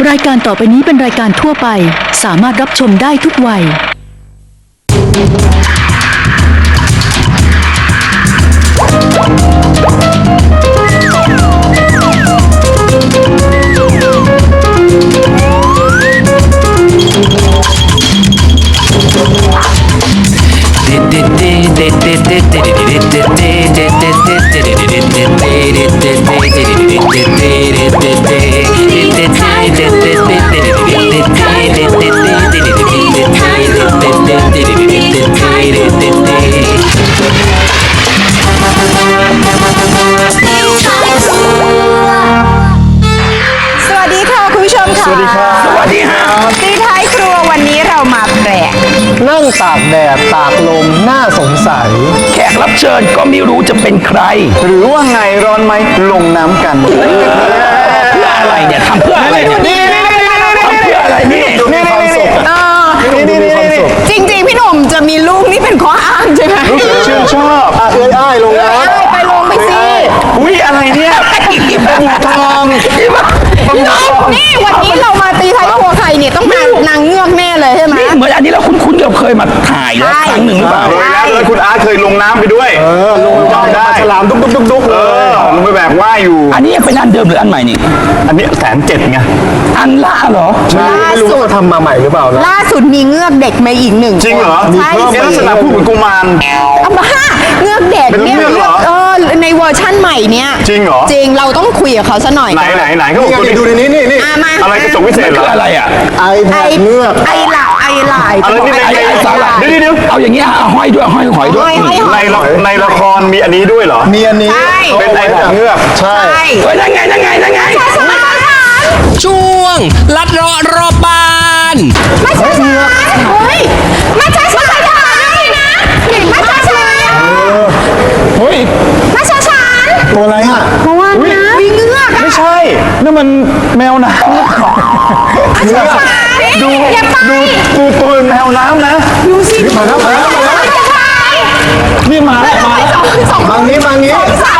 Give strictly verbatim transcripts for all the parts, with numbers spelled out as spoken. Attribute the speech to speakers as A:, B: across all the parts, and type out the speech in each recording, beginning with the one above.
A: รายการต่อไปนี้เป็นรายการทั่วไปสามารถรับชมได้ทุกวัย
B: สวัสดีครับสวัสดีครับตีท้ายครัววันนี้เรามาแปลก
C: นั่งตากแดดตากลมน่าสงสัย
D: แขกรับเชิญก็ไม่รู้จะเป็นใคร
C: หรือว่าไงร้อนไหมลงน้ำกัน
D: เพื่ออะไรเนี่ยทำเพื่ออะไรเนี่ยทำเพื่ออะไรนี่
C: นี่ความสุขนี่นี่นี่
B: จริงๆพี่หนุ่มจะมีลูกนี่เป็นข้ออ้างใช่ไหม
C: ชื่นชอบอ่ะเอ้ยอ้ายลงน้ำ
B: ไปลงไปสิ
D: อุ้ยอะไรเนี่ย
C: ปูทอง
B: นี่วันนี้เรามาตีท้ายครัวใครเนี่ยต้องมานางเงือกแน่เลยใช่ไหม
D: เหมือนอันนี้เราคุ้นๆเราเคยมาถ่ายแล้วครั้งหนึ่งหรือเปล่า
C: เคยแล้วเลยคุณอาร์ตเคยลงน้ำไปด้วยเออลงจำได้ฉลามดุ๊กดุ๊กดุ๊กดุ๊กเออลงไปแบบว่ายอยู่
D: อันนี้เป็นอันเดิมหรืออันใหม่นี่
C: อันนี้แสนเจ็ดไง
D: อันล่าเหรอ
C: ใช่ไม่รู้ว่าทำมาใหม่หรือเปล่า
B: ล่าสุดมีเงือกเด็กมาอีกหนึ่ง
C: จริงเหรอใช่ลักษณะพูดเหมือนกุมาร
B: เอามาเงือกเด็กเนี่ยเออในเวอร์ชั่นใหม่เนี่ย
C: จริงเหรอ
B: จริงเราต้องคุยกับเขาซะหน่อย
C: ไหนไหนไหนเขาบอกดูในนี้นี่นี่อะไรกระจกวิเศษเหรอ
D: อะไรอ่ะ
C: ไอแพดเงือก
B: ไอหลาไอหลาย
C: อะไรนี่ไอ
D: สาหร่ายเดี๋ยวเดี๋ยวเอาอย่างเงี้ยห้อยด้วยห้อยหอยด้วย
C: ในในละครมีอันนี้ด้วยเหรอมีอันนี้เป็นไอแพดเงือกใช่
D: เฮ้ยนั่งไงนั่งไงนั่งไง
E: ช่วงลัดเลาะรอบบ้าน
B: ไม่ใช่ฉันเฮ้ยไม่ใช่ฉันไม่ใช่นะไม่ใช่ฉัน
C: เฮ้ย
B: ไม่ใช่ฉัน
C: ตัวอะไรอ่ะ
B: เพราะว่านะมีเงือก
C: ไม่ใช่นั่นมันแมวน้ำดูดูดูตัวแมวน้ำนะ
B: ดูสิ
C: มาแล้วมาแล้วนี่มาแล้วมาแล้วมางี้มางี้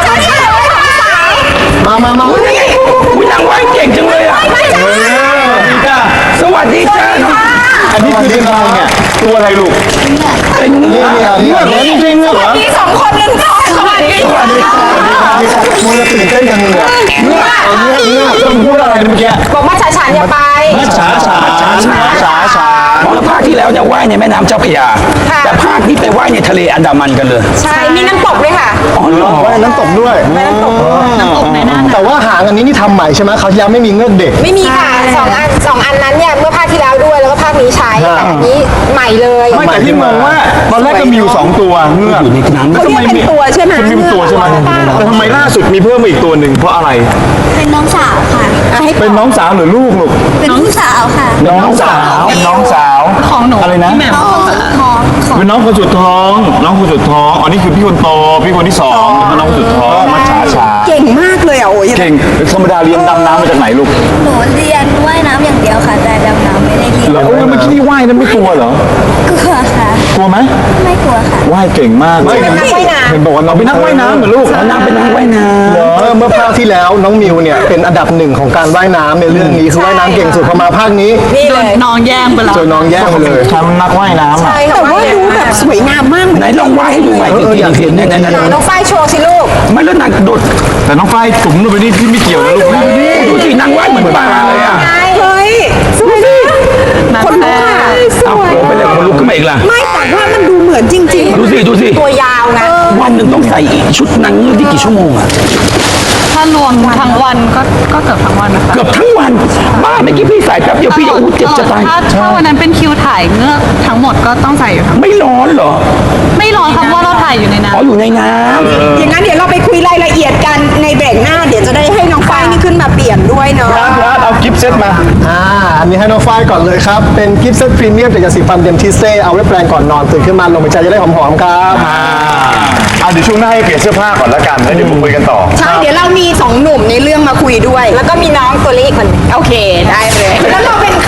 C: มามามา
D: อุ้ยนางว่ายเก่งจังเลยอ่ะสวัสดีจ้า
C: อันนี้คืออะไรเนี่ยตัวอะไรลูก
D: เป็นเงือก
C: เงือกจริงๆเหรอ
B: มีสองคนหนึ่งสองสวัสดีค่ะ
C: มันจะตื่นเต้นยังไงเงือกเงือกเงือกต้องพูดอะไรเมื่อกี้
B: บอกมาฉาฉานอย่าไป
C: ฉาฉาฉาฉาฉาฉา
D: เพราะภาคที่แล้วเนี่ยว่ายในแม่น้ำเจ้าพระยาแต่ภาคนี้ไปว่ายในทะเลอันดามันกันเลย
B: ใช่มีน้ำตกด้วยค่ะ
D: อ๋อเหรอ
C: ว่ายน้ำตกด้วย
B: น้ำตกน้ำตกในน่าน
C: แต่ว่าหางอันนี้นี่ทำใหม่ใช่ไหมเขาที่แล้วไม่มีเงือกเด็ก
B: ไม่มีค่ะสองอันสองอันนั้นเนี่ยเมื่อภาคที่แล้วด้วยแล้วก็ภาคนี้ใช้แต่อันนี้ใหม่เลย
C: ไม่แต่ที่มองว่าตอนแรกก็มีอยู่สองตัวเงือก
D: อยู่ในน้ำ
B: เขาเรียกเป็นตัวใช่ไหม
C: มันมีตัวใช่ไหมแต่ทำไมล่าสุดมีเพิ่มมาอีกตัวหนึ่งเพราะอะไร
F: เป็นน้องสาวค่ะ
C: เป็นน้องสาวหรือลูกลูก
F: เป็นน้องสาวค่ะ
C: น้องสาวเป็นน้องสาว
B: ของหนู
C: อะไรนะ
F: น้องคนสุดท้อง
C: เป็นน้องคนสุดท้องน้องคนสุดท้องอ๋อนี่คือพี่คนโตพี่คนที่สองน้องคนสุดท้องมาช้าช้า
B: เก่งมากเลยอ่ะโอ้ย
C: เก่งธรรมดาเรียนดำน้ำมาจากไหนลูก
F: หนูเรียนว่ายน้ำอย่างเดียวค่ะแต่ดำน้ำไม่ได้เรียน
C: แล้วเมื่อกี้ว่ายนั้นไม่กลัวเหรอก
F: ลัวค่ะ
C: กลัวไหม
F: ไม่กลัวค่ะ
C: ว่ายเก่งมาก
B: เป็นนักว่ายน้ำ
C: เห็นบอกว่าเราเป็นนักว่ายน้ำเหรอลูก
D: นางเป็นนักว่ายน้ำ
C: เหรอเมื่อภาคที่แล้วน้องมิวเนี่ยเป็นอันดับหนึ่งของการว่ายน้ำในเรื่องนี้คือว่ายน้ำเก่งสุดพอมาภาคนี้
B: โดนน้องแย่งไปแล้ว
C: โดนน้องแย่งไปเลยทำนักว่ายน้ำ
B: ใช่แต่ว่าดูแบบสวยงามมาก
D: ไหนลองว่ายให้ดูใหม่จริงๆเห็นเนี่ย
B: น้องฝ้ายโชว์สิลูก
D: ไม่แล้วนางโดด
C: แต่น้องฝ้ายจุ๋มลงไปนี่พี่ไม่เกี่ยวนะลูก
D: ดูสินางว่ายเหมือนปลาเลยอ่ะ
B: เฮ้ยสวยดิคนลุกอ่ะ
D: สวยไปเลยคนลุกขึ้นมาอีกล่ะ
B: ไม่แต่ว่ามันดูเหมือนจริง
D: ๆดูสิดูสิ
B: ตัวยาวไง
D: วันหนึ่งต้องใส่ชุดนางเงือกที่กี่ชั่วโมงอ่ะ
G: ถ้ารวมทั้งวันก็ก็เกือบทั้งวันนะคะ
D: เกือบทั้งวันบ้าเมื่อกี้พี่ใส่แป๊บเดียวพี่จะอู้เจ็บจะตาย
G: ถ้าถ้าวันนั้นเป็นคิวถ่ายเงือกทั้งหมดก็ต้องใส่อยู่ทั้ง
D: ไม่ร้อนเหรอ
G: ไม่ร้อนครับว่าเราถ่ายอยู่ในน้ำ
D: อ๋ออยู่ในน้
B: ำอย่างนั้นเดี๋ยวเราไปคุยรายละเอียดกันในเบรกหน้าเดี๋ยวจะได้ให้น้องฝ้ายนี่ขึ้นมาเปลี่ยนด้วยเนาะ
C: ครับเอากิฟต์เซตมาอ่าอันนี้ให้น้องฝ้ายก่อนเลยครับเป็นกิฟต์เซตพรีเมียมจากยาสีฟันเดมทิเซ่เอาไว้แปรงก่อนนอนตื่นขึ้นมาลงไปใจจะได้หอมๆครับอ่าเอาเดี๋ยวช่วงหน้าให้เปลี่ยนเสื้อผ้าก่อนละกันแล้วเดี๋ยวมาคุยกันต่อ
B: ใช่เดี๋ยวเรามีสองหนุ่มในเรื่องมาคุยด้วยแล้วก็มีน้องตัวเล็กคนโอเคได้เลยแล้วเราเป็นใครอะคะ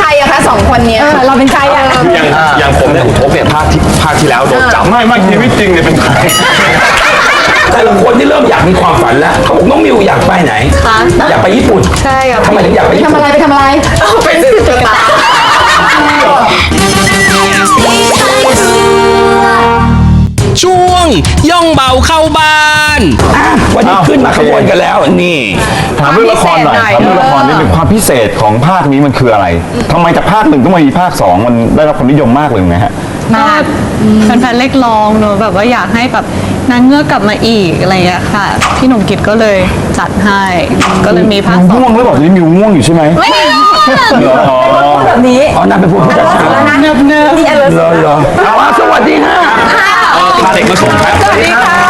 B: สองคนเนี้ยเราเป็นใครอ่ะ
D: อย่างอย่างผมเนี่ยอุทกเนี่ยภาคที่ภาคที่แล้วโดนจับ
C: ไม่ไม่ชีวิตจริงเนี่ยเป็นใคร
D: แต่ละคนที่เริ่มอยากมีความฝันแล้วเขาบอกน้องมิวอยากไปไหนอยากไปญี่ปุ่น
G: ใช่ครับ
D: ทำไมถึงอยากไปญี่
B: ทำ
D: ปุ่น
B: อะไรไปทำอะไรเป็นตุ๊กตา
E: ช่วงย่องเบาเข้าบ้าน
D: อ่ะวันนี้ขึ้นมาขบวนกันแล้วนี่
C: ถามเรื่องละครหน่อยถามเรื่องละครนิดนึงความพิเศษของภาคนี้มันคืออะไรทำไมจากภาคหนึ่งต้องมามีภาคสองมันได้รับความนิยมมากเลยไงฮะ
G: ก็แฟนๆเรียกร้องเนอะแบบว่าอยากให้แบบนางเงือกกลับมาอีกอะไรอย่างเงี้ยค่ะ พี่หนุ่มกิตก็เลยจัดให้ ก็เลยมีภาคสอง
C: ง่วงหรือเปล่าตอนนี้มิวง่วงอยู่ใช่ไหม
G: ไม่ได้
C: อ๋อ
B: แบบนี้
D: อ๋อนั่นเป็นผู้พิจารณา
G: เนิบเนิบ
B: นี่อะไร
D: เหรอเหรอเอาว่าสวัสดีฮะ
C: พาเด็กมาส่งครับ
B: สวัสดีค่ะ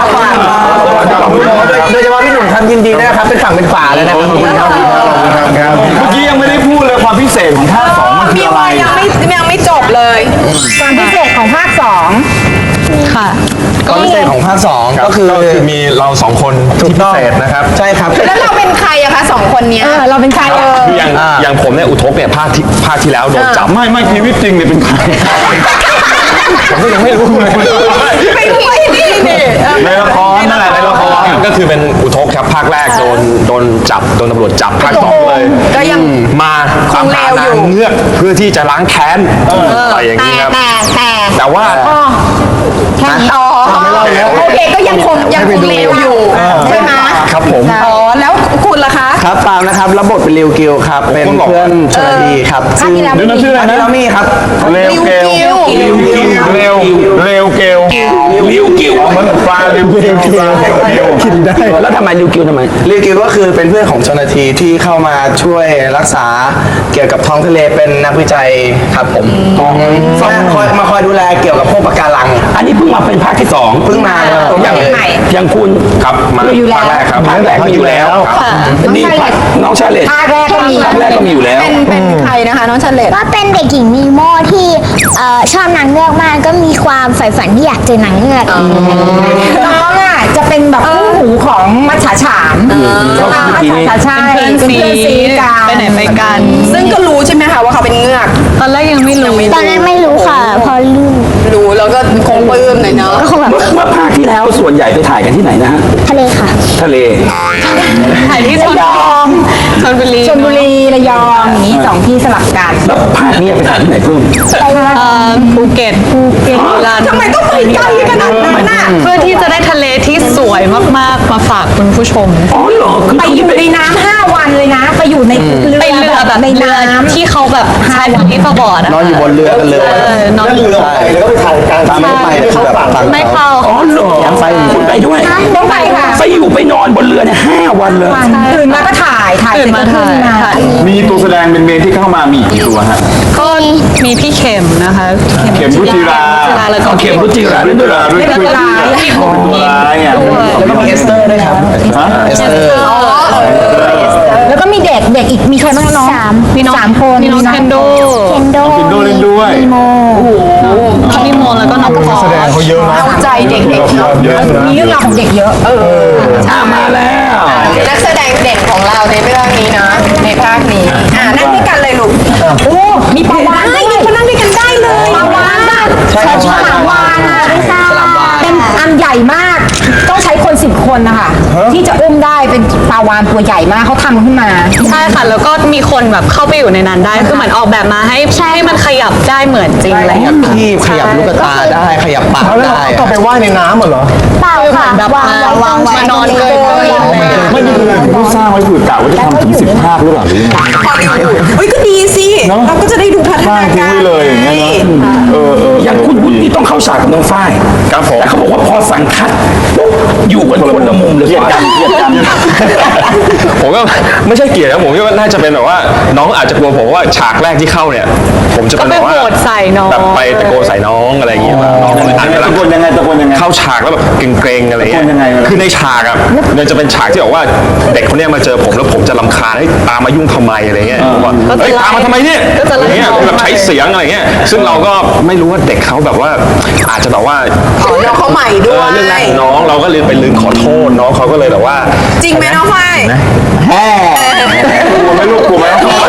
C: โดยเฉพาะพี่หนุ่มครับยินดีนะครับเป็นฝั่งเป็นฝาเลยนะครับเมื่อกี้ยังไม่ได้พูดเลยความพิเศษของภาคสองมันคืออะไร
B: ยังไม่ยังไม่จบเลยความพิเศษของภาคสอง
G: ค่ะ
C: ความพิเศษของภาคสองก็คือมีเราสองคนที่พิเศษนะครับใช่ครับ
B: แล้วเราเป็นใครอะคะสองคนเนี้ยเราเป็นใครเออ
D: คืออย่างอย่างผมเนี่ยอุทกเนี่ยภาคที่ภาคที่แล้วโดนจับ
C: ไม่ไม่ชีวิตจริงเนี่ยเป็นใครผมก็ยังไม่รู้เลย
B: ไปด้วยนี่นี่
C: ในละครนั่นแหละในละคร
D: ก็คือเป็นอุทกครับภาคแรกโดนโดนจับโดนตำรวจจับภาคสองเลย
B: ก็ยัง
D: มาตามหานางเงือกเพื่อที่จะล้างแค้นอะไรอย่างนี้ครับ
B: แต่แต่
D: แต่ว่า
B: แค่นี้อ๋อโอเคก็ยังคงยังคงเลวอยู่ใช่ไหม
D: ครับผม
B: อ๋อแล้วคุณล่ะคะ
H: ครับปาล์มนะครับรับบทเป็นริวกิวครับเป็นเพื่อนชลดีครับ
B: ภาคที่แล้ว
C: เดี๋ยวนะชื่ออะไรนะ
H: เรามีครับ
C: เร็วเกล
B: ริวกิว
C: เร็วเร็วเกล
D: ลิวกิว
C: มันปลาเร็วเกลกินได้
D: แล้วทำไมลิวกิวทำไม
H: ริวกิวก็คือเป็นเพื่อนของชลทีที่เข้ามาช่วยรักษาเกี่ยวกับท้องทะเลเป็นนักวิจัยครับผมมาคอยมาคอยดูแลเกี่ยวกับพวกปะการัง
D: อันนี้เพิ่งมาเป็นภาคที่สอง
H: เพิ่งมาเลย
D: อย่างอย่างคุณครับมาภาคแรกครับภาคแรกมีอยู่แล้วนี่น้องชาเลต
B: ภาคแรกก็มี
D: ภาคแรกก็มีอยู่แล้ว
B: เป็นเป็นใครนะคะน้องเฉลต
I: ก็เป็นเด็กหญิงนีโมที่เอ่อชอบนางเงือกมากก็มีความใฝ่ฝันที่อยากเจอนางเงือก
B: น้องอ่ะจะเป็นแบบคู่หูของมัจฉาฉาม
D: ก็คือทีนี้
B: มัจฉาใช่
G: เป็นเพื่อนซี
B: กัน
G: ไปไหนไปกัน
B: ซึ่งก็รู้ใช่ไหมคะว่าเขาเป็นเงือก
G: ตอนแรกยังไม่รู้
I: ตอนนั้นไม่รู้ค่ะ พอรู้
B: รู้แล้วก็คงปลื้มหน่อยเนาะ
I: ก็คงแบบ
D: เมื่อเมื่อภาคที่แล้วส่วนใหญ่ไปถ่ายกันที่ไหนนะฮะ
I: ทะเลค่ะ
D: ทะเล
G: ถ่ายที่ชลบุรีชลบุรี
B: ชลบุรีระยองอย่างนี้สองที่สลับกัน
D: แล้วภาคนี้ไปถ่ายที่ไหนเพิ่ม
G: เอ่อภูเก็ตภูเก็ตลาน
B: ทำไมต้องไปไกลขนาดนั้นน่ะ
G: เพื่อที่จะได้ทะเลที่สวยมากๆมาฝากคุณผู้ชม
D: อ๋อเหรอคือ
B: ไปอยู่ในน้ำห้าวันเลยนะ ไปอยู่ในเรือ
G: ไปเรือแบบ
B: ใน
G: เรือ
B: น้ำ
G: ที่เขาแบบใช้แบบที่ประบอดอะ
H: นอนอยู่บนเรือกันเลย
G: เออนอนอยู่
C: เรือไปแล้วก็ไปถ่ายกลาง
H: ตามไม่ไปคือแบบต่าง
G: ไม่เข้า
D: อ๋อเหรอคุณไปด้วย
B: ต้องไปค่ะ
D: ไปอยู่ไปนอนบนเรือเนี่ยห้าวันเลย
B: ตื่นมาก็ถ่ายถ่ายเส
G: ตื่
B: ร็
G: น
B: จ
G: มา
B: ก็ขึ้
G: ถ่าน ย
B: มา
G: ถ่าย
C: มีตัวแสดงเป็นเมนที่เข้ามามีกี่ตัวฮะ
G: ก็มีพี่เข็มนะคะ
C: เข็มรุจิรา
G: รุจิราแล้วก็
D: เข็มรุจิราด้วยด้วยเหรอ
C: ด้วย
G: แล้ว
C: คือ
G: ก็มีพี่คนยิง
C: ร้ายอ่ะ
H: แล้วก็มีเอสเตอร์ด้วยครับเอสเตอร์
B: แล้วก็มีเด็กเด็กอีกมีใครบ้างน้อง
I: สาม
G: มีน้อง
B: สามคน
G: มีน้องเคนโด
I: เคนโด
C: กินโดเล่นด้วย
I: นีโม
G: พี่โมแล้วก็น้องพอ
C: แสดงเขาเยอะนะ
B: เอาใจเด็กๆเนาะ
C: เยอะนะ
B: มีเรื่องราวของเด็กเยอะเออ
D: อ่ามาแล้ว
B: นักแสดงเด่นของเราในเรื่องนี้นะในภาคนี้อ่านั่งด้วยกันเลยลูกโอ้มีปลาวานด้วยมีคนนั่งด้วยกันได้เลยปลาวานอะ
H: ใช่ครับ
B: ฉลามวานอะเป็นอันใหญ่มาก ต้องใช้คนสิบคนนะคะที่จะอุ้มได้เป็นปลาวานตัวใหญ่มากเขาทำขึ้นมา
G: ใช่ค่ะ แล้วก็มีคนแบบเข้าไปอยู่ในนั้นได้ คือเหมือนออกแบบมาให้ให้มันขยับได้เหมือนจริงอะไรอย่างเงี้ย
H: ที่ขยับลูกตาได้ขยับปาก
C: แล้ว
H: ได้
C: ก็ไปว่ายในน้ำเหรอ
I: เปล่าค่ะ
G: แบบ
I: วางไว้
G: วางไว้นอนเลย
C: ไม่มีคือผู้สร้างไว้คือกะว่าจะทำถึงสิบภาคหรือเปล่าหรือยังไง
B: เฮ้ยก็ดีสิ เราก็จะได้ดูพัฒ
C: สร้าง
B: นา
C: ทิ้ง
B: การ
C: ไว้เลยอย่างเงี้ยเนาะเออเออ
D: อย่างคุณวุฒิต้องเข้าฉากกับน้องฝ้าย
C: ครับผม
D: แต่เขาบอกว่าพอสั่งคัดปุ๊บอยู่กันคนละมุมเลย
C: เกลียดกันเกลียดกัน
J: ผมก็ไม่ใช่เกลียดนะผมคิดว่าน่าจะเป็นแบบว่าน้องอาจจะกลัวผมว่าฉากแรกที่เข้าเนี่ย ผมจะ
G: ก็
J: เป็น
G: ไป
J: แบบว่า
G: โหวตใส่น้อง
J: แบบไปตะโกนใส่น้องอะไรอย่างเงี้ยน้องก็เลยอาจจะ
C: ตะโกนยังไงตะโกนยังไง
J: เข้าฉากแล้วแบบเกรงๆอะไรเงี้ย
C: ตะโกนยังไงวะ
J: คือในฉากอ่ะมันจะเป็นฉากที่บอกว่าเด็กคนเนี้ยมาเจอผมแล้วผมจะรำคาญให้ตามมายุ่งทำไมอะไรเงี้ยผมว่า
G: ก็จะ
J: เฮ้ย
G: ไล่
J: ตามมาทำไมเนี่ย
G: ก็จะ
J: อะไร
G: ไล่
J: เงี้ย
G: น้อง
J: แบบใช้เสียงอะไรเงี้ยซึ่งเราก็ไม่รู้ว่าเด็กเขาแบบว่าอาจจะแบบว่า
B: อ๋อน้องเขาใหม่ด้
J: เอ
B: ว
J: อย เรื่องแรกของน้องเราก็เลยไปลืมขอโทษน้องเขาก็เลยแบบว่า
B: จริงไหมน้องฝ้าย
C: กลัวไหมลูกกลัวไหม
D: เก่ง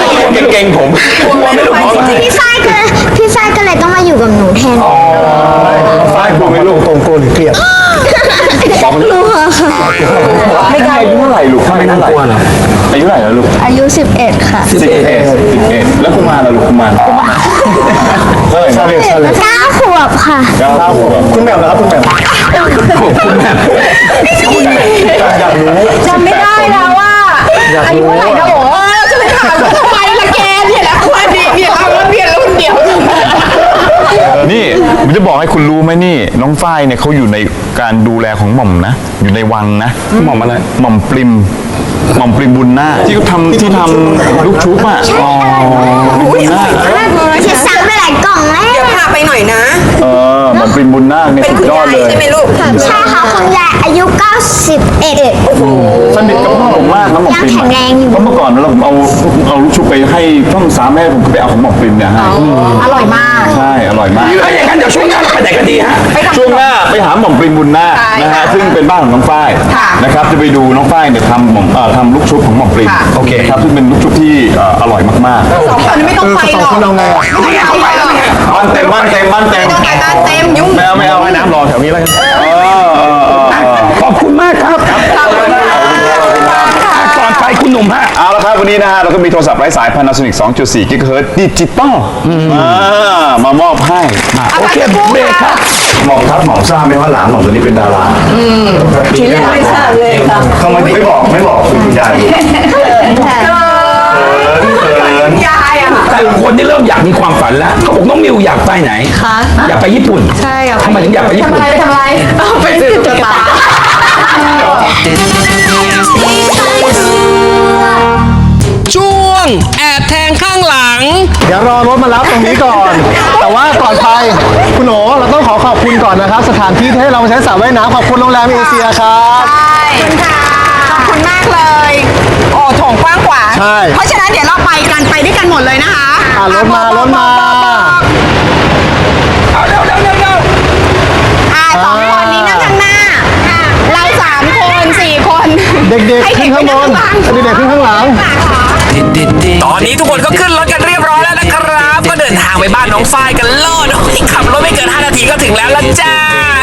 J: เก่งผม
I: พี่ฝ้ายก็เลยพี่ฝ้ายก็เลยต้องมาอยู่กับหนูแทน
C: ฝ้ายกลัวไหมลูกตรงตัวหรือเครียด
I: กลัวค่ะ
J: ไม่ได้อายุเท่าไหร่ลูกไม่น่ากลัวเหรออายุเท่าไหร่แล้วลูก
I: อายุสิบเอ็ดค่ะ
J: สิบเอ็ดสิบเอ็ดแล้วกุมารล่ะลูกกุมารเท่าไหร่
C: ชาเลนจ์ชาเลนจ์
I: เก้าขวบค่ะ
J: เก้าขวบ
C: คุณแหม่มนะครับคุณแหม่มอยากรู้
B: จำไม่ได้แล้วว่าอายุเท่าไหร่นะโอ้จะไปถามทำไมล่ะแกเนี่ยแหละคนนี้เนี่ยเราเรียนรุ่นเดียว
J: นี่ผมจะบอกให้คุณรู้ไหมนี่น้องฝ้ายเนี่ยเขาอยู่ในการดูแลของหม่อมนะ อยู่ในวังนะหม่อมอะไรหม่อมปริมหม่อมปริมบุญนาคที่เขาทำที่ทำลูกชุบอ่ะอ๋อบุญนาค
I: จะสั่งไปหลายกล่องแล้ว
B: เดี๋ยวพาไปหน่อยนะ
J: เออหม่อมปริมบุญนาคเนี่ย
B: เป็น
J: สุด
B: คุณ
J: ยอด
B: ยาย
J: เลย
B: ใช่ไหมลูก
I: ใช่ค่ะคุณยายอายุเก้าสิบเอ็ด
J: สนิทกับพ่อผมมากนะหม่อมปริม
I: ยังแข็งแรงอยู่
J: เพราะเมื่อก่อนเราผมเอาเอาลูกชุบไปให้ต้องสามแม่ผมก็ไปเอาของหม่อมปริมเนี่ยให้
B: อร่อยมาก
J: ใช่อร่อยมาก
D: ถ้าอย่างนั้นเดี๋ยวช่วงหน้าเราไปไหนกันดีฮะ
J: ช่วงหน้าไปหาหม่อมปริมบุญนาค
B: ใช่
J: นะฮะซึ่งเป็นบ้านของน้องฝ้าย
B: ค่ะ
J: นะครับจะไปดูน้องฝ้ายเนี่ยทำหม่อมเอ่อทำลูกชุบของหม่อมปริม
B: ค่ะ
J: โอเคครับซึ่งเป็นลูกชุบที่เอ่ออร่อยมากๆ
B: สองคนไม่ต้องไปหรอก
C: คุณเอาไงอ่ะ
B: ไม่ต้องไปหรอก
J: บ้านเต็มบ้านเต็มบ้านเต็ม
B: ไม่ต้องไปบ้านเต็มยุ่ง
J: ไม่เอาไม่เอาให้น้ำรอแถวนี้แล้วกันเออเออเออเออ
D: ขอบคุณมากครับก่อนไปคุณหนุ่มฮะ
J: เอาละครับวันนี้นะฮะเราก็มีโทรศัพท์ไร้สาย Panasonic สองจุดสี่ กิกะเฮิรตซ์ดิจิตอลอ่ามามอบให้
D: โอเคเบรกครับ
C: หม่อมครับหม่อมทราบไหมว่าหลานหม่อมตัวนี้เป็นดาราทีแรกไม่ทราบเลยครับทำไมถึงไม่บอกไม่บอกคุณยายเขินเขิน
B: ยายอะ
D: แต่ละคนนี่เริ่มอยากมีความฝันแล้วเขาบอกน้องมิวอยากไปไหน
G: คะ
D: อยากไปญี่ปุ่น
G: ใช่อยากไป
D: ทำไมถึงอยากไปญี่
B: ทำ
D: ปุ่น
B: อะไรไปทำอะไรไปซื้อตุ๊กตา
E: ช่วงแอบแทงข้างหลัง
C: เดี๋ยวรอรถมารับตรงนี้ก่อน แต่ว่าก่อนไปคุณโหนเราต้องขอขอบคุณก่อนนะครับ สถานที่ที่ให้เรามาใช้สระว่ายน้ำขอบคุณโรงแรมเอเชียครับ
B: ใช่ค่ะขอบคุณมากเลย โอ้โถงกว้างขวาง
C: ใช่
B: เพราะฉะนั้นเดี๋ยวเราไปกันไปด้วยกันหมดเลยนะคะ
C: อ่ะรถมารถมา
D: เอาเร็วเร็วเร็วเร็ว
B: อ่าสองคนนี้นั่งข้างหน้า เราสามคนสี่คน
C: เด็กๆ
B: ให้
C: ขึ้นข้างบน
B: ไป
C: เด็กๆขึ้นข้างหลัง
E: ตอนนี้ทุกคนก็ขึ้นรถกันเรียบร้อยแล้วนะครับ ก็เดินทางไปบ้านน้องฝ้ายกันโลดโอ้ยขับรถไม่เกินห้านาทีก็ถึงแล้วละจ้า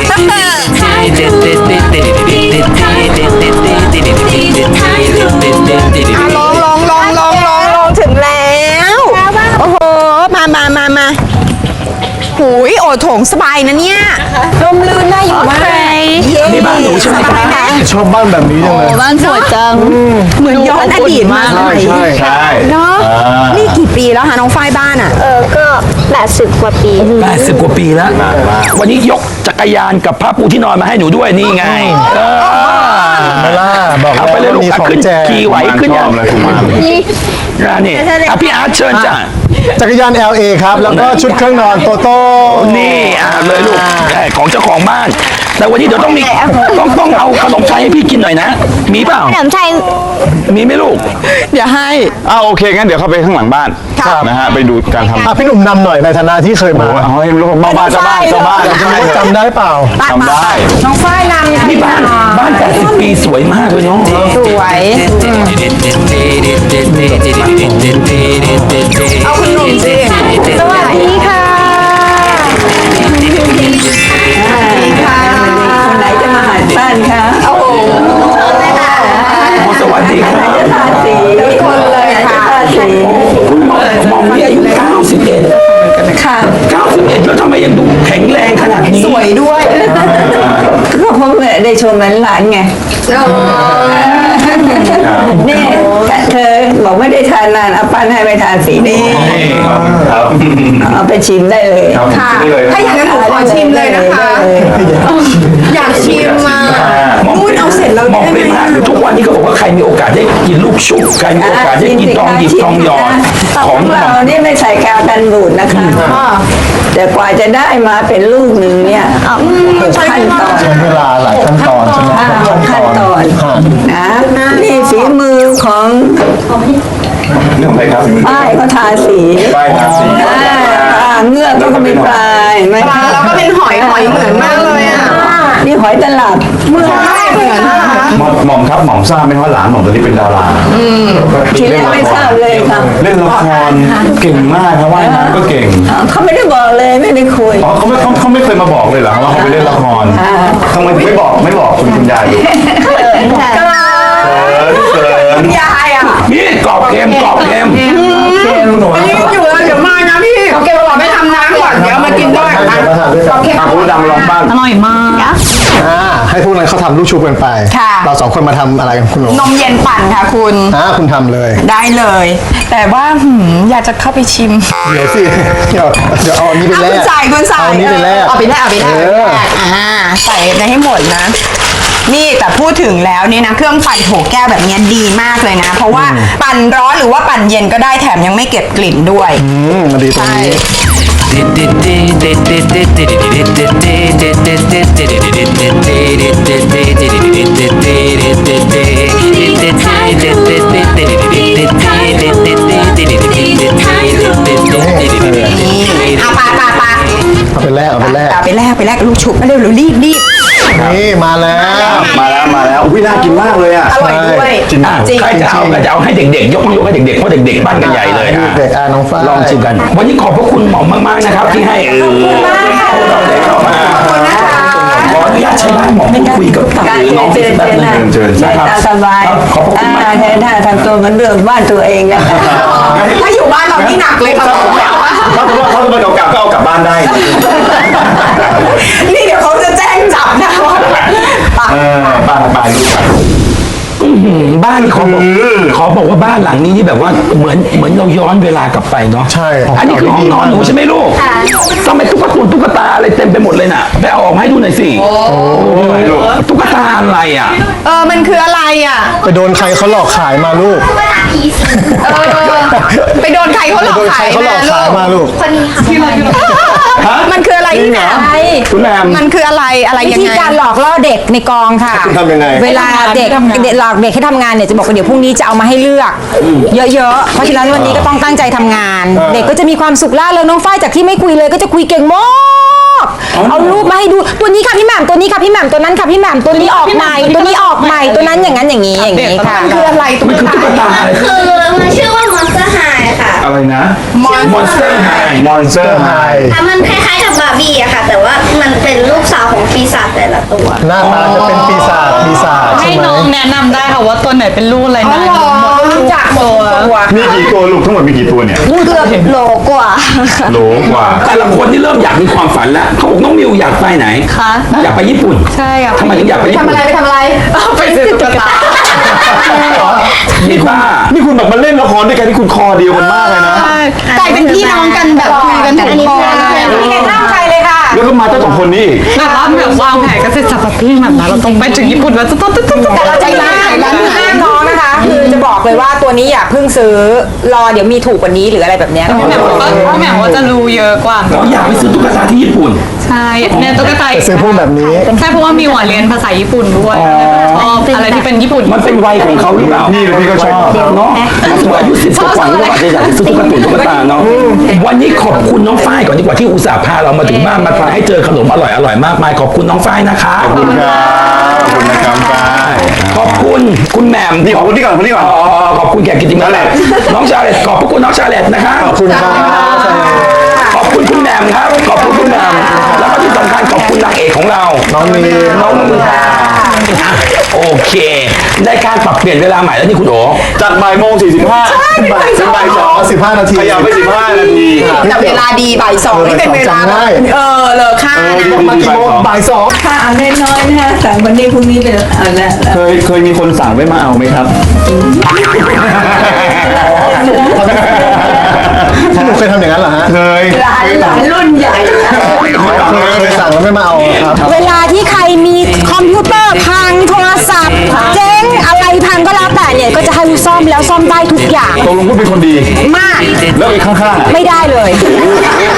B: อ่ะลงลงลงลงลงลงถึงแล้ว โอ้โห มามามามาหูยโอ้โถงสบายนะเนี่ยร่มรื่นน่าอยู่มากเย้
D: นี่บ้านหนูใช่ไหม
B: สบายไหม
C: ชอบบ้านแบบนี้จังเลย
G: บ้านสวยจัง
B: เหมือนย้อนอดีตมา
C: ใช่ใช่
J: ใช่
B: เนาะนี่กี่ปีแล้วคะน้องฝ้ายบ้านอ่ะ
I: เออก็แปดสิบกว่าปี
D: แปดสิบกว่าปีแล้ว วันนี้ยกจักรยานกับผ้าปูที่นอนมาให้หนูด้วยนี่ไงเออ
C: ไม่ล่าบอก
D: เอาไปเลยลูก
C: มี
D: อ่ะ
C: ของ
D: ขึ้น
C: แจก
D: ขี่ไหวขึ้น
J: ช
D: ยั
J: อง บเลยคุณมา
D: อ่ะนี่อ่ะพี่อาร์ตเชิญจ้ะ
C: จักรยาน แอล เอ ครับ แล้วก็ชุดเครื่องนอนโตโต้
D: นี่อ่ะเลยลูกใช่ของเจ้าของบ้าน แต่วันนี้เดี๋ยวต้องมีต้องต้องเอาขนมไทยให้พี่กินหน่อยนะ มีเปล่า
I: ขนมไทย
D: มีไหมลูก
B: เดี๋ยวให้
J: อ้าวโอเคงั้นเดี๋ยวเข้าไปข้างหลังบ้านนะฮะไปดูการทำ
C: อ่ะพี่หนุ่มนำหน่อยในฐานะที่เคยมา
J: เอาให้ลูกบ้านบ้านเจ้าบ้านเจ้าบ้าน
C: จำได้จำได้เปล่า
J: ทำได้
B: น้องฝ้ายนำ
D: นี่บ้านบ้านแปดสิบปีสวยมากเลยเนาะ
B: สวยเอาคุณหนุ่มสิสวัสดีค่ะคนไหนจะมาหัดบ้านคะโอ้โห
D: สวัสดีครับ
B: สีคนเลยค่ะสี
D: คุณหมอหมอมีอายุเก้าสิบเอ็ด
B: ค่ะ
D: เก้าสิบเอ็ดแล้วทำไมยังดูแข็งแรงขนาดนี้
B: สวยด้วย
K: ก็เพราะได้ชมหลานๆไง นี่เธอบอกไม่ได้ทานนานเอาปั้นให้ไปทานสีนี้
J: ครับ
K: เอาไปชิมได้เลย
B: ค่ะ ถ้าอย่างนั้นหนูขอชิมเลยนะคะ อยากชิมมาพูดเอาเสร็จแล้ว
D: มอง
B: ได้
D: เป็น
B: ไหม
D: มากคือทุกวันนี้เขาบอกว่าใครมีโอกาสได้กินลูกชุบใครมีโอกาสได้กินทองหยิบทองหยอดข
K: ข
D: อ
K: อง งเรานี่ไม่ใส่กาวกันบูดนะคะ แต่กว่าจะได้มาเป็นลูกหนึ่งเนี่ยหกขั้นตอน
C: ใช้เวลาหลายขั้นตอนใช่ไหม
K: ห้าหกขั้นตอนนะนี่ฝีมือของ
J: เรื่องอะไรครับ
K: ป้ายก็ทาสี
J: ป้ายทาสี
K: อ่าปลาเงือกก็มีปลายไหม
B: ปลาเราก็เป็นหอยหอยเหมือนมากเลยอ่ะ
K: นี่หอยตลับเมื่อ
J: หม่อมหม่อมครับหม่อมทราบไหมว่าหลานหม่อมตอนนี้เป็นดารา
K: ทีแรกไม่ทราบเลยค่ะ
J: เล่นละครเก่งมากครับว่ายน้ำก็เก่ง
K: เขาไม่ได้บอกเลยไม่ได้คุย
J: อ๋อเขาไม่เขาเขาไม่เคยมาบอกเลยเหรอว่าเขาไปเล่นละครทำไมถึงไม่บอกไม่บอกคุณคุณยายดู
K: เขินค่ะ
J: เขิน
B: ยายอ่ะ
D: นี่กรอบเค็มกรอบเค็ม
B: รีบอยู่แล้วเดี๋ยวมานะพี่เขาเก็บบอกไม่ทำน้ำก่อนเดี๋ยวมากินด้วย
C: มาทานด้วยกัน
J: อ่ะคุณดำลองบ้าง
G: อร่อยมาก
C: อ่าให้พวกนั้นเขาทำลูกชุบกันไป
B: ค่ะ
C: เราสองคนมาทำอะไรกันคุณหนู
B: นมเย็นปั่นค่ะคุณ
C: อ่าคุณทำเลย
B: ได้เลย แต่ว่าหืมอยากจะเข้าไปชิม
C: เดี๋ยวสิเดี๋ยวเดี๋ยวเอาอันนี้ไปแลก
B: คุณใส่คุณใส่
C: เอาอันนี้ไปแลก
B: เอาไปแลกเอาไปแลก
C: เออ
B: อ่าใส่ไปให้หมดนะ นี่แต่พูดถึงแล้วนี่นะเครื่องปั่นโถแก้วแบบนี้ดีมากเลยนะ เพราะว่าปั่นร้อนหรือว่าปั่นเย็นก็ได้แถมยังไม่เก็บกลิ่นด้วย
C: อืมมันดีตรงนี้
B: นี่เอาปาปาปา
C: เอาไปแลกเอาไปแลก
B: เอาไปแลกไปแลกกับลูกชุบมาเร็วเร็วรีบรีบ
C: นี่มาแล้ว
J: มาแล้วมาแล้วอุ้ยน่ากินมากเลยอ่ะ
B: อร่อยด้วย
C: จริง
D: อ่ะ
B: จริง
D: ใครจะเอาก็จะเอาให้เด็กๆ ยกยกให้เด็กๆเพราะเด็กๆบ้านกันใหญ่เลยอ่ะ
C: เด็กอ่ะน้องฝ้าย
D: ลองชิมกัน วันนี้ขอบพระคุณหม่อมมากๆนะครับ ที่ให้เออเราได้เข้ามาขออนุญาตใช้บ้านหม่อมพูดคุยกับ
K: ได้
D: น้อง
K: เชิญ
D: แป๊บ
K: เชิญ
D: นึ
K: นะ
D: งเชิญ
K: ได้
D: นะครับ
K: ตามสบาย
D: ครับขอบพระคุณมาก
K: อ่าแทนถ้าทำตัวเหมันเรื่องบ้านตัวเองนะ
B: ถ้าอยู่บ้านเรานี่หนักเลยค่ะ
J: ถ้าสมมติว่าเขาจะมาเอากลับก็เอากลับบ้านได้
B: นี่เดี๋ยวเขาจะแจ้งจับนะปะ
J: เออบ้านไปลูกไป
D: อื้อหือบ้านขอบอกขอบอกว่าบ้านหลังนี้นี่แบบว่าเหมือนเหมือนเราย้อนเวลากลับไปเนาะ
C: ใช่
D: อันนี้คือห้องนอนหนูใช่ไหมลูกทำไมตุ๊กตาตุ๊กตาอะไรเต็มไปหมดเลยน่ะไปเอาออกมาให้ดูหน่อยสิตุ๊กตาอะไรอ่ะ
B: เออมันคืออะไรอ่ะ
C: ไปโดนใครเขาหลอกขายมาลูก
B: เออไปโดนใครเขาหลอก
C: โดนใค
B: ขาร ย
C: เขาหล
B: มา
C: อก
B: ลู
C: ขาย
B: ก
C: มาลูก
I: คนนี้ค่ะ
B: มันคืออะไรที่ไหน
D: คุณแม่
B: มันคืออะไรอะไร
L: วิ
B: ยัง
L: ธี
B: ไง
L: การหลอกล่อเด็กในกองค่ะ
C: คุณทำยังไง
L: เวลาเด็กเด็กหลอกเด็กให้ทำงานเนี่ยจะบอกว่าเดี๋ยวพรุ่งนี้จะเอามาให้เลือก เยอะๆ เพราะฉะนั้นวันนี้ก็ต้องตั้งใจทำงาน
C: เออ
L: เด็กก็จะมีความสุขล่าเริงน้องฝ้ายจากที่ไม่คุยเลยก็จะคุยเก่งมากเอารูปมาให้ดูตัวนี้ค่ะพี่แหม่มตัวนี้ค่ะพี่แหม่มตัวนั้นค่ะพี่แหม่มตัวนี้ออกใหม่ตัวนี้ออกใหม่ตัวนั้นอย่างนั้นอย่างนี้อย่างนี้ค่ะ
B: มันคืออะไรตุ๊ก
D: มันคือตุ๊ก
B: ตา
D: ตาอะไร
I: คือมันชื่อว่า Monster High ค่ะ
J: อะไรนะ
D: มอนสเตอร์ไฮ
J: มอนสเตอร์ไฮ
I: แต่มันคล้ายๆกับบาร์บี้อะค่ะ แต่ว่ามันเป็นลูกสาวของปีศาจแต่ละตัว
C: หน้าตาจะเป็นปีศาจปีศาจ
G: ให้
C: ใช่ไหม
G: น้องแนะนำได้ค่ะว่าตัวไหนเป็นลูกอะไร
B: อ๋อ
G: นะ
B: เหรอรู้จักหมดทุกตัว
J: มีกี่ตัวลูกทั้งหมดมีกี่ตัวเนี่ย
I: เกือบโลกว่า
J: โหลกว่า
D: แต่ละคนที่เริ่มอยากมีความฝันแล้วเขาบอกน้องมิวอยากไปไหน
G: คะ
D: อยากไปญี่ปุ่น
G: ใช่ค่ะ
D: ทำไมถึงอยากไปญี่
B: ทำ
D: ปุ่น
B: อะไรไปทำอะไรไปซื้อตุ๊กตา
D: นี่บ้า
J: นี่คุณแบบมาเล่นละครด้วยกันที่คุณคอเดียวกันมากเลยนะ
B: กลายเป็นพี่น้องกันแบบคุยกันถูกคอเลย
L: ไม่ได้ห้ามใครเลยค่ะ
J: แล้วก็มาเจ้าสองคนนี้อีก
G: แบบว่าแบบวางแผนกันเสร็จสับพี่แบบนั้นเราต้องไปถึงญี่ปุ่นแล้วจะต้องต้องต้อง
L: แต่เราใจมากร้านห้ามน้องนะคะ คือจะบอกเลยว่าตัวนี้อย่าเพิ่งซื้อรอเดี๋ยวมีถูกกว่านี้หรืออะไรแบบเนี้ย
G: พี่แหม่มก็พี่แหม่มว่าจะรู้เยอะกว่า
D: เราอยากไปซื้อตุ๊กตาที่ญี่ปุ่น
G: ใช่เนี่ยตุ๊กตา
C: จะซื้อพวกแบบนี้
G: ใช่เพราะว่ามีหวานเรียนภาษาญี่ปุ่นด้วยชอบอะไรที่เป็นญี่ปุ่น
D: มันเป็นวัยของเขาหรือเปล่า
J: นี่พี่ก็ชอบ
D: เนาะสมมติอายุสิบกว่าๆก็อาจจะอยากจะซื้อตุ๊กตาตุ๊กตาเนาะวันนี้ขอบคุณน้องฝ้ายก่อนดีกว่าที่อุตส่าห์พาเรามาถึงบ้านมาทานให้เจอขนมอร่อยอร่อยมากมายขอบคุณน้องฝ้ายนะคะ
J: ขอบคุณครับขอบคุณนะครับฝ้าย
D: ขอบคุณคุณแหม่ม
J: นี่ขอบคุณที่ก่อนคนนี้ก่อน
D: อ๋อขอบคุณแขกกิติมาแหละน้องชาเลตขอบพระคุณน้องชาเลตนะคะ
C: ขอบคุณครับ
D: ขอบคุณคุณแหม่มครับขอบคุณคุณแหม่มแล้วก็ที่สำคัญขอบคุณนางเอกของเรา
C: น้องมี
D: น้องมือค่ะอ่ะโอเคได้การปรับเปลี่ยนเวลาใหม่แล้วนี่คุณโอ
J: จัดบ่ายโมงสี่สิบห้า
C: บ่ายบ่ายสองสิบห้านาที
J: ขยับไปสิบห้านาที
B: แต่เวลาดีบ่ายสองนี่เป็นเวลา
C: จำได้
B: เออเลอค่านะ
C: มากี่โมงบ่ายสอง
K: ค่ะเอาน้อยๆนะคะแต่วันนี้พรุ่งนี้เป็นเอาละ
J: เคยเคยมีคนสั่งไว้มาเอาไหมครับ
C: หนูเคยทำอย่างนั้นเหรอฮะ
J: เคย
K: หลานหลานรุ่นใหญ่
C: เคยสั่งแล้วไม่มาเอาครับ
L: เวลาที่ใครมีคอมพิวเตอร์พังโทรศัพท์เจ๊งอะไรพังก็แล้วแต่เนี่ยก็จะให้ซ่อมแล้วซ่อมได้ทุกอย่าง
J: ตกลงคุณเป็นคนดี
L: มาก
J: แล้วอีกข้างๆอ่ะ
L: ไม่ได้เลย